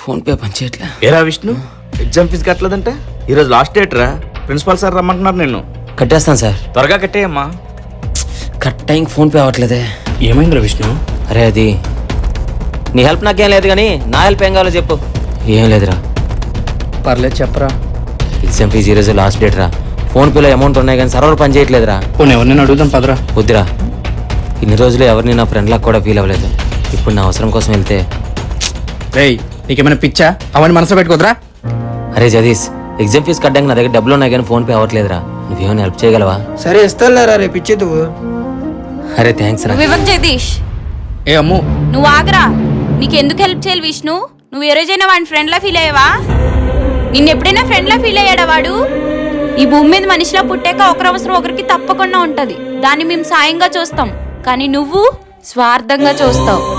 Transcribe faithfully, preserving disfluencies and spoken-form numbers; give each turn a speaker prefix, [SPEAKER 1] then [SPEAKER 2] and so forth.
[SPEAKER 1] Phone pay పని చేయట్లే.
[SPEAKER 2] ఏరా విష్ణు, ఎగ్జామ్ ఫీజు కట్టలేదంటే ఈరోజు లాస్ట్ డేట్ రా. ప్రిన్సిపాల్ సార్ రమ్మంటున్నారు నిన్ను.
[SPEAKER 1] కట్టేస్తాను సార్.
[SPEAKER 2] త్వరగా కట్టేయమ్మా.
[SPEAKER 1] కట్ టైంకి ఫోన్ పే అవ్వట్లేదే.
[SPEAKER 2] ఏమైందిరా విష్ణు?
[SPEAKER 1] అరే అది నీ హెల్ప్ నాకేం లేదు కానీ నా హెల్ప్ ఏం కావాలో చెప్పు. ఏం లేదురా.
[SPEAKER 3] పర్లేదు చెప్పరా.
[SPEAKER 1] ఎగ్జామ్ ఫీజు ఈరోజు లాస్ట్ డేట్ రా. ఫోన్ పేలో అమౌంట్ ఉన్నాయి కానీ సర్వర్ పని చేయట్లేదురా.
[SPEAKER 3] పోనీ ఎవరినైనా అడుగుదాం పదరా.
[SPEAKER 1] వద్దురా, ఇన్ని రోజులు ఎవరిని నా ఫ్రెండ్లకు కూడా ఫీల్ అవ్వలేదు. ఇప్పుడు నా అవసరం కోసం వెళ్తే.
[SPEAKER 3] రేయ్ నీకేమైనా పిచ్చా? అవన్నీ మనసులో పెట్టుకోదరా.
[SPEAKER 1] అరే జదీష్, ఎగ్జామ్ ఫీజు కట్టడానికి నా దగ్గర డబ్బులు ఉన్నాయి కానీ ఫోన్ పే అవ్వట్లేదురా. నువ్వేమైనా హెల్ప్ చేయగలవా?
[SPEAKER 4] సరే ఇస్తారా రేపు ఇచ్చేది.
[SPEAKER 1] అరే థ్యాంక్స్ రా.
[SPEAKER 5] వివేక్ జగదీష్,
[SPEAKER 3] ఏ అమ్ము
[SPEAKER 5] నువ్వు ఆగరా. నీకెందుకు హెల్ప్ చేయాలి విష్ణు? నువ్వు ఏ రోజైనా వాడిని ఫ్రెండ్లా ఫీల్ అయ్యావా? నిన్ను ఎప్పుడైనా ఫ్రెండ్లా ఫీల్ అయ్యాడా వాడు? ఈ భూమి మీద మనిషిలా పుట్టాక ఒకరి అవసరం ఒకరికి తప్పకుండా ఉంటది. దాన్ని మేము సాయంగా చూస్తాం, కానీ నువ్వు స్వార్థంగా చూస్తావు.